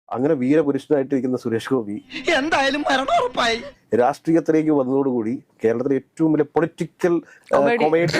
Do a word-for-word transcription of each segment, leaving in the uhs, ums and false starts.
അങ്ങനെ വീരപുരുഷനായിട്ടിരിക്കുന്ന സുരേഷ് ഗോപി എന്തായാലും മരണോറപ്പായി. രാഷ്ട്രീയത്തിലേക്ക് വന്നതോടുകൂടി കേരളത്തിലെ ഏറ്റവും വലിയ പൊളിറ്റിക്കൽ കൊമേഡി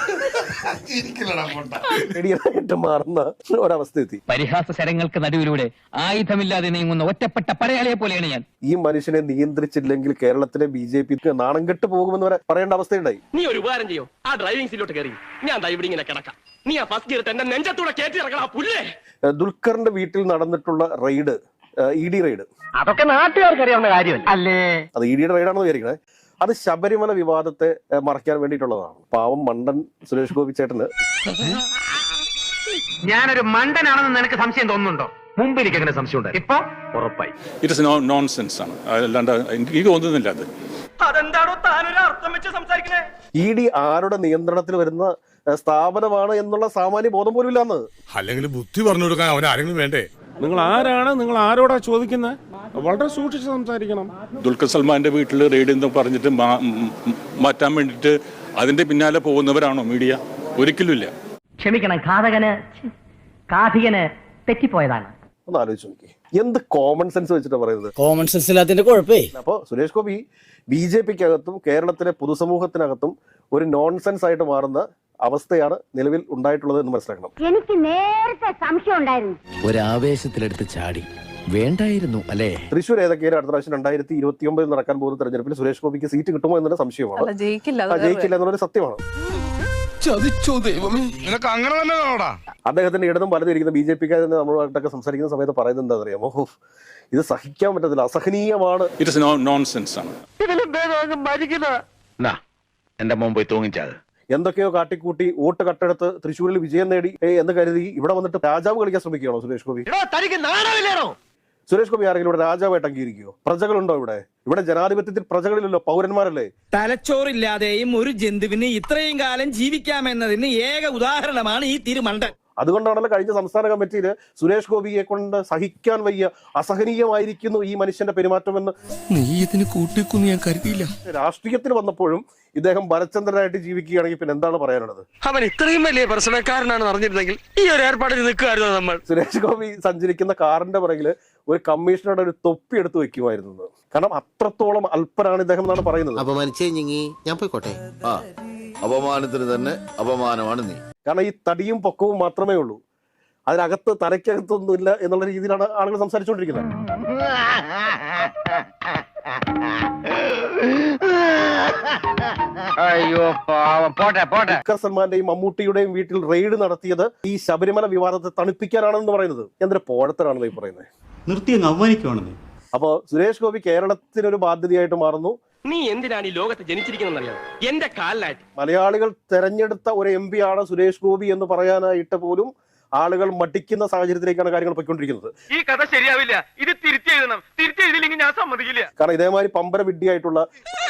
മാറുന്ന ഒരവസ്ഥ എത്തി. പരിഹാസ ശരങ്ങൾക്ക് നടുവിലൂടെ ആയുധമില്ലാതെ നീങ്ങുന്ന ഒറ്റപ്പെട്ട പടയാളിയെ പോലെയാണ് ഞാൻ. ഈ മനുഷ്യനെ നിയന്ത്രിച്ചില്ലെങ്കിൽ കേരളത്തിലെ ബി ജെ പി നാണം കെട്ട് പോകുമെന്ന് വരെ പറയേണ്ട അവസ്ഥയുണ്ടായി. നീ ഒരു ഉപകാരം ചെയ്യോ, ആ ഡ്രൈവിംഗ് സീറ്റിലോട്ട് കയറി ഞാൻ ഇവിടെ ഇങ്ങനെ കിടക്കാം. നീ ആ ഫസ്റ്റ് ഗിയർ എന്റെ നെഞ്ചത്തൂടെ കയറ്റി ഇറക്കണം പുല്ലേ. ദുൽഖറിന്റെ വീട്ടിൽ നടന്നിട്ടുള്ള റെയ്ഡ്, ഇ ഡി റെയ്ഡ്, അതൊക്കെ നാട്ടുകാർക്ക് അറിയാവുന്ന കാര്യം അല്ലേ? അത് ഇ ഡിയുടെ റെയ്ഡാണെന്ന് വിചാരിക്കണേ. അത് ശബരിമല വിവാദത്തെ മറയ്ക്കാൻ വേണ്ടിയിട്ടുള്ളതാണ്. പാവം മണ്ടൻ സുരേഷ് ഗോപി ചേട്ടന് ഞാനൊരു മണ്ടനാണെന്ന് നിനക്ക് സംശയം തോന്നുന്നുണ്ടോ? മുമ്പ് എനിക്ക് അങ്ങനെ സംശയം ഉണ്ട്, ഇപ്പൊ ഉറപ്പായി. ഇറ്റ് ഇസ് നോൺസെൻസ് ആണ്, അല്ലാണ്ട് എനിക്ക് തോന്നുന്നില്ല അത്. അതെന്താണോ താനൊരു അർത്ഥം വെച്ച് സംസാരിക്കണേ? ഇ ഡി ആരുടെ നിയന്ത്രണത്തിൽ വരുന്ന സ്ഥാപനമാണ് എന്നുള്ള സാമാന്യ ബോധം പോലും ഇല്ലാന്ന്. അല്ലെങ്കിൽ ബുദ്ധി പറഞ്ഞു കൊടുക്കാൻ അവൻ ആരെങ്കിലും വേണ്ടേ? നിങ്ങൾ ആരാണ്, നിങ്ങൾ ആരോടാ ചോദിക്കുന്നത്? വളരെ സൂക്ഷിച്ച് സംസാരിക്കണം. ദുൽഖർ സൽമാന്റെ വീട്ടിൽ റെയ്ഡ് എന്ന് പറഞ്ഞിട്ട് മാറ്റാൻ വേണ്ടിയിട്ട് അതിന്റെ പിന്നാലെ പോകുന്നവരാണോ മീഡിയ? ഒരിക്കലും ഇല്ല. ക്ഷമിക്കണം, ഘാതകന് കാഥികന് തെറ്റിപ്പോയതാണ്. ഒന്ന് ആലോചിച്ച് നോക്കി, എന്ത് കോമൺ സെൻസ് വെച്ചിട്ടാണ് പറയുന്നത്? കോമൺ സെൻസ് ഇല്ലാത്തതിന്റെ കുഴപ്പേ. അപ്പൊ സുരേഷ് ഗോപി ബി ജെ പിക്കകത്തും കേരളത്തിലെ പൊതുസമൂഹത്തിനകത്തും ഒരു നോൺസെൻസ് ആയിട്ട് മാറുന്ന അവസ്ഥയാണ് നിലവിൽ ഉണ്ടായിട്ടുള്ളത് എന്ന് മനസ്സിലാക്കണം. എനിക്ക് നേരത്തെ സംശയം ഉണ്ടായിരുന്നു. ഒരാവേശത്തിലെടുത്ത് ചാടി വേണ്ടായിരുന്നു അല്ലേ? തൃശ്ശൂർ ഏതൊക്കെയാണ് അടുത്ത പ്രാവശ്യം രണ്ടായിരത്തി ഇരുപത്തി ഒമ്പതിൽ നടക്കാൻ പോകുന്ന തെരഞ്ഞെടുപ്പിൽ സുരേഷ് ഗോപിക്ക് സീറ്റ് കിട്ടുമോ എന്നുള്ള സംശയമാണ്. ജയിക്കില്ല എന്നുള്ളൊരു സത്യമാണ്. അങ്ങനെ തന്നെ അദ്ദേഹത്തിന്റെ ഇടതും വലതും ഇരിക്കുന്ന ബി ജെ പിക്കാർ നമ്മളുമായിട്ടൊക്കെ സംസാരിക്കുന്ന സമയത്ത് പറയുന്നത് എന്താ അറിയാമോ? ഇത് സഹിക്കാൻ പറ്റത്തില്ല, അസഹനീയമാണ്. ഇറ്റ് ഇസ് നോൺസെൻസ് ആണ്. എന്റെ മുമ്പ് തൂങ്ങിച്ചത് എന്തൊക്കെയോ കാട്ടിക്കൂട്ടി വോട്ട് കട്ടെടുത്ത് തൃശ്ശൂരിൽ വിജയം നേടി എന്ന് കരുതി ഇവിടെ വന്നിട്ട് രാജാവ് കളിക്കാൻ ശ്രമിക്കുകയാണോ സുരേഷ് ഗോപി? സുരേഷ് ഗോപി ആരെങ്കിലും ഇവിടെ രാജാവായിട്ട് അംഗീകരിക്കുമോ? പ്രജകളുണ്ടോ ഇവിടെ? ഇവിടെ ജനാധിപത്യത്തിൽ പ്രജകളിലല്ലോ, പൗരന്മാരല്ലേ? തലച്ചോറില്ലാതെയും ഒരു ജന്തുവിന് ഇത്രയും കാലം ജീവിക്കാമെന്നതിന് ഏക ഉദാഹരണമാണ് ഈ തിരുമണ്ടൻ. അതുകൊണ്ടാണല്ലോ കഴിഞ്ഞ സംസ്ഥാന കമ്മിറ്റിയിൽ സുരേഷ് ഗോപിയെ കൊണ്ട് സഹിക്കാൻ വയ്യ, അസഹനീയമായിരിക്കുന്നു ഈ മനുഷ്യന്റെ പെരുമാറ്റമെന്ന്. നീ ഇതിന് കൂട്ടിക്കുന്നു ഞാൻ കരുതിയില്ല. രാഷ്ട്രീയത്തിൽ വന്നപ്പോഴും ഇദ്ദേഹം ഭരചന്ദ്രനായിട്ട് ജീവിക്കുകയാണെങ്കിൽ പിന്നെ എന്താണ് പറയാനുള്ളത്? അവൻ ഇത്രയും വലിയ പ്രശ്നക്കാരനാണെന്ന് അറിഞ്ഞിരുന്നെങ്കിൽ ഈ ഒരു ഏർപ്പാടിൽ നിൽക്കുമായിരുന്നു നമ്മൾ. സുരേഷ് ഗോപി സഞ്ചരിക്കുന്ന കാറിന്റെ പുറകിൽ ഒരു കമ്മീഷണറുടെ ഒരു തൊപ്പി എടുത്ത് വെക്കുമായിരുന്നു. കാരണം അത്രത്തോളം അല്പനാണ് ഇദ്ദേഹം എന്നാണ് പറയുന്നത്. അപമാനിച്ചേ ഞാൻ പോയിക്കോട്ടെ. ആ അപമാനത്തിന് തന്നെ അപമാനമാണ് നീ. കാരണം ഈ തടിയും പൊക്കവും മാത്രമേ ഉള്ളൂ, അതിനകത്ത് തലയ്ക്കകത്തൊന്നുമില്ല എന്നുള്ള രീതിയിലാണ് ആളുകൾ സംസാരിച്ചുകൊണ്ടിരിക്കുന്നത്. അയ്യോ പോട്ടെ പോട്ടെ. ദുൽഖർ സൽമാന്റെയും മമ്മൂട്ടിയുടെയും വീട്ടിൽ റെയ്ഡ് നടത്തിയത് ഈ ശബരിമല വിവാദത്തെ തണിപ്പിക്കാനാണെന്ന് പറയുന്നത് എന്തൊരു പോഴത്തരാണെന്ന് ഈ പറയുന്നത്. നിർത്തിയങ്ങ് അവമാനിക്കുവാണെന്ന്. അപ്പോ സുരേഷ് ഗോപി കേരളത്തിനൊരു ബാധ്യതയായിട്ട് മാറുന്നു. നീ എന്തിനാണ് ഈ ലോകത്ത് ജനിച്ചിരിക്കുന്നറിയാം? എന്റെ കാലിലായിട്ട് മലയാളികൾ തെരഞ്ഞെടുത്ത ഒരു എം പി ആണ് സുരേഷ് ഗോപി എന്ന് പറയാനായിട്ട് പോലും ആളുകൾ മടിക്കുന്ന സാഹചര്യത്തിലേക്കാണ് കാര്യങ്ങൾ പോയിക്കൊണ്ടിരിക്കുന്നത്. ഈ കഥ ശരിയാവില്ല, ഇത് തിരുത്തി എഴുതണം. തിരുത്തി എഴുതിയില്ലെങ്കിൽ ഞാൻ സമ്മതിക്കില്ല. കാരണം ഇതേമാതിരി പമ്പര വിഡ്ഢിയായിട്ടുള്ള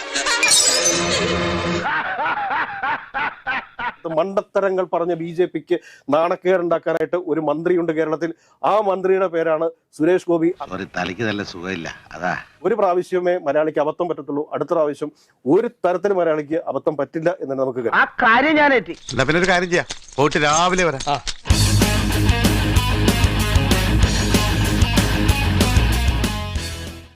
മണ്ടത്തരങ്ങൾ പറഞ്ഞ ബി ജെ പിക്ക് നാണക്കേടുണ്ടാക്കാനായിട്ട് ഒരു മന്ത്രിയുണ്ട് കേരളത്തിൽ. ആ മന്ത്രിയുടെ പേരാണ് സുരേഷ് ഗോപി. തലയ്ക്ക് നല്ല സുഖമില്ല, അതാ. ഒരു പ്രാവശ്യമേ മലയാളിക്ക് അബദ്ധം പറ്റത്തുള്ളൂ, അടുത്ത പ്രാവശ്യം ഒരു തരത്തിന് മലയാളിക്ക് അബദ്ധം പറ്റില്ല എന്ന് നമുക്ക് ആ കാര്യം ഞാൻ പിന്നെ ഒരു കാര്യം ചെയ്യാം, പോയിട്ട് രാവിലെ വരാം.